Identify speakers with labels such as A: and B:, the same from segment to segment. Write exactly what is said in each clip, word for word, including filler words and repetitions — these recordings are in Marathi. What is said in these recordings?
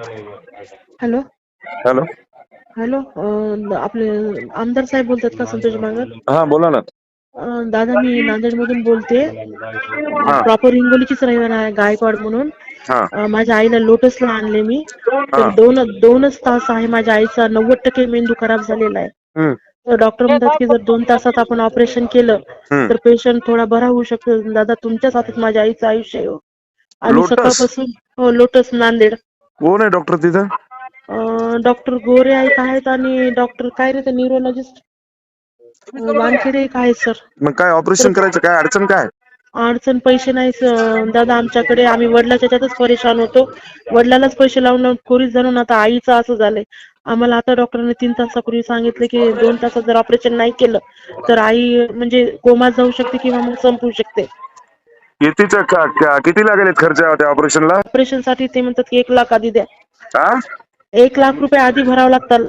A: Hello
B: hello.
A: हॅलो अं, आपले आमदार साहेब बोलतात का? संतोष बांगर.
B: हा बोला ना.
A: अं, दादा मी नांदेड मधून बोलते.
B: हा
A: प्रॉपर हिंगोलीचीच रहिवासी आहे, गायकवाड म्हणून.
B: हा
A: अं, माझ्या आईला लोटसला आणले मी.
B: हा
A: तर दोन दोनच तास आहे माझ्या आईचा नव्वद टक्के मेंदू खराब झालेला आहे.
B: हम्म
A: तर डॉक्टर म्हणतात की जर दोन तासात आपण ऑपरेशन केलं
B: हम्म
A: तर पेशंट थोडा बरा होऊ शकतो. दादा तुमच्याच हातात माझ्या आईचं आयुष्य आहे हो. आम्ही
B: लोटस
A: सकाळपासून हो लोटस नांदेड.
B: कोण आहे डॉक्टर तिथं?
A: डॉक्टर गोरे एक आहेत आणि डॉक्टर काय रे ते न्यूरोलॉजिस्ट वानखेडे एक आहेत सर.
B: मग काय
A: तर
B: ऑपरेशन करायचं, काय अडचण काय?
A: अडचण पैसे नाही स- दादा आमच्याकडे. आम्ही वडिलाच्या याच्यातच परेशान होतो. वडिलालाच पैसे लावून लावून कोरीस जाणून आता आईचं असं झालंय. आम्हाला आता डॉक्टरांनी तीन तासापूर्वी सांगितलं की दोन तासात जर ऑपरेशन नाही केलं तर आई म्हणजे कोमात जाऊ शकते किंवा मग संपू शकते.
B: कितीचा का- का- किती लागेल खर्च त्या ऑपरेशनला?
A: ऑपरेशन साठी ते म्हणतात की एक लाख आधी द्या.
B: हा
A: एक लाख रुपये आधी भरावं लागतात.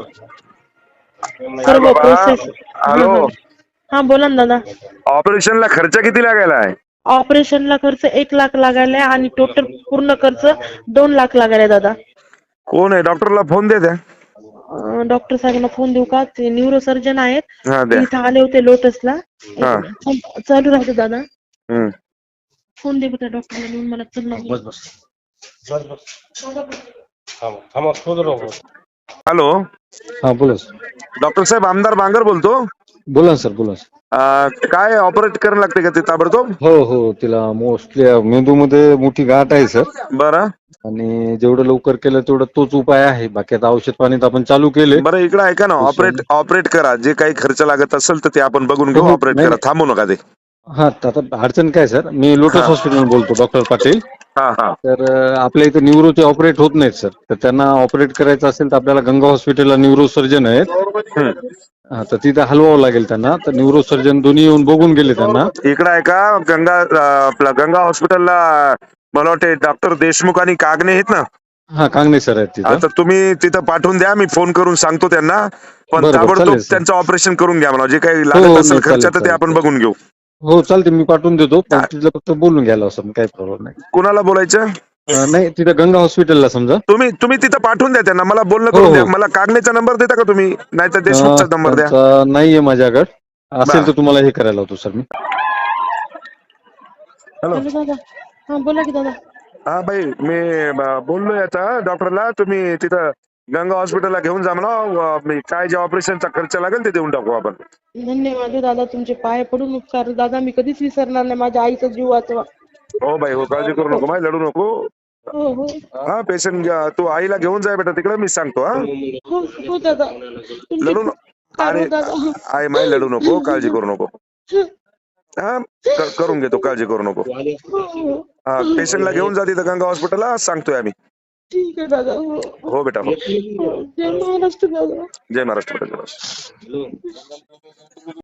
B: काय
A: सर्व
B: बाबा?
A: प्रोसेस. हा
B: हॅलो.
A: हा हा बोला ना दादा.
B: ऑपरेशनला खर्च किती लागायला आहे?
A: ऑपरेशनला खर्च एक लाख लागायला आणि टोटल पूर्ण खर्च दोन लाख लागायला दादा.
B: कोण आहे? डॉक्टरला फोन दे द्या.
A: अं, डॉक्टर साहेबांना फोन देऊ का? ते न्यूरो सर्जन आहेत.
B: हा
A: ते
B: द्या.
A: इथं आले होते लोटसला.
B: हा
A: एक मिनिट चालू राहते दादा.
B: हम्म
A: फोन दे त्या डॉक्टरला नेऊन मला चल ना.
C: बस बस बस बस थांबा थांबा शोधू नको.
B: हॅलो.
C: हा बोला सर.
B: डॉक्टर साहेब आमदार बांगर बोलतो.
C: बोला ना सर बोला सर.
B: अं, काय ऑपरेट करायला लागते का ते ताबडतोब?
C: हो हो तिला मोस्टली मेंदूमध्ये मोठी गाठ आहे सर.
B: बरं
C: आणि जेवढं लवकर केलं तेवढं तोच उपाय आहे. बाकी आता औषध पाणी तर आपण चालू केले.
B: बरं इकडे ऐका ना, ऑपरेट
C: पेशंट
B: ऑपरेट करा. जे काही खर्च लागत असेल तर ते आपण बघून
C: हो
B: घेऊ.
C: हो
B: ऑपरेट
C: नाही
B: करा,
C: नाही.
B: थांबू नका ते.
C: हा आता अडचण काय सर, मी लोटस
B: हा
C: हॉस्पिटल बोलतो डॉक्टर पाटील.
B: हा हा
C: तर अं, आपल्या इथे न्यूरोचे ऑपरेट होत नाहीत सर. तर त्यांना ऑपरेट करायचं असेल तर आपल्याला गंगा हॉस्पिटलला न्यूरो सर्जन आहेत.
B: हम्म.
C: हा तर तिथे हलवावं लागेल त्यांना. तर न्यूरो सर्जन दोन्ही येऊन बघून गेले त्यांना.
B: इकडे आहे का गंगा अं, आपलं गंगा हॉस्पिटलला मला वाटते डॉक्टर देशमुख आणि कागणे आहेत ना?
C: हा कांगणे सर आहेत तिथं.
B: आता तुम्ही तिथं पाठवून द्या, मी फोन करून सांगतो त्यांना. पण
C: बरं बरं
B: ताबडतोब
C: चालेल सर.
B: त्यांचं ऑपरेशन करून घ्या म्हणा. जे काही
C: हो
B: लागत
C: हो
B: असेल
C: नाही
B: खर्च
C: चालेल
B: तर ते
C: चालेल
B: आपण
C: चालेल.
B: बघून घेऊ.
C: हो चालते मी पाठवून देतो. पण तिथलं फक्त बोलून घ्यायला असं काही प्रॉब्लेम नाही.
B: कुणाला बोलायचं?
C: अं, नाही तिथं गंगा हॉस्पिटलला समजा.
B: तुम्ही तुम्ही तिथं पाठवून द्या त्यांना. मला बोलणं
C: हो
B: करून द्या.
C: हो.
B: मला कागणेचा नंबर देता का तुम्ही? नाहीतर
C: अं,
B: देशमुखचा नंबर द्या.
C: त्यांचा नाहीये माझ्याकडे. असेल
B: बर.
C: तर तुम्हाला हे करायला होतो सर मी.
B: हॅलो.
A: हॅलो दादा. हा बोला की दादा.
B: हा भाई मी ब- बोललोय आता डॉक्टरला. तुम्ही तिथं गंगा हॉस्पिटलला घेऊन जा म्हणा. व मी काय जे ऑपरेशनचा खर्च लागेल ते देऊन टाकू आपण.
A: धन्यवाद हो दादा, तुमचे पाय पडून उपकार. दादा मी कधीच विसरणार नाही. माझ्या आईचा जीव वाचवा.
B: हो भाई हो, काळजी करू नको, माय लढू नको.
A: हो हो
B: हा पेशंट तू आईला घेऊन जाय बेटा तिकडे, मी सांगतो. हा
A: हो हो दादा. तुमचे
B: लढू
A: खूप
B: नको.
A: उपकार
B: अरे
A: हो दादा.
B: आई माय लढू नको, काळजी करू नको. हा क- करून घेतो, काळजी करू नको.
A: हो, हो.
B: हा पेशंटला घेऊन जा तिथं गंगा हॉस्पिटलला, सांगतोय आम्ही.
A: ठीक आहे दादा. हो
B: हो बेटा हो.
A: हो. जय महाराष्ट्र दादा.
B: जय महाराष्ट्र. जय महाराष्ट्र.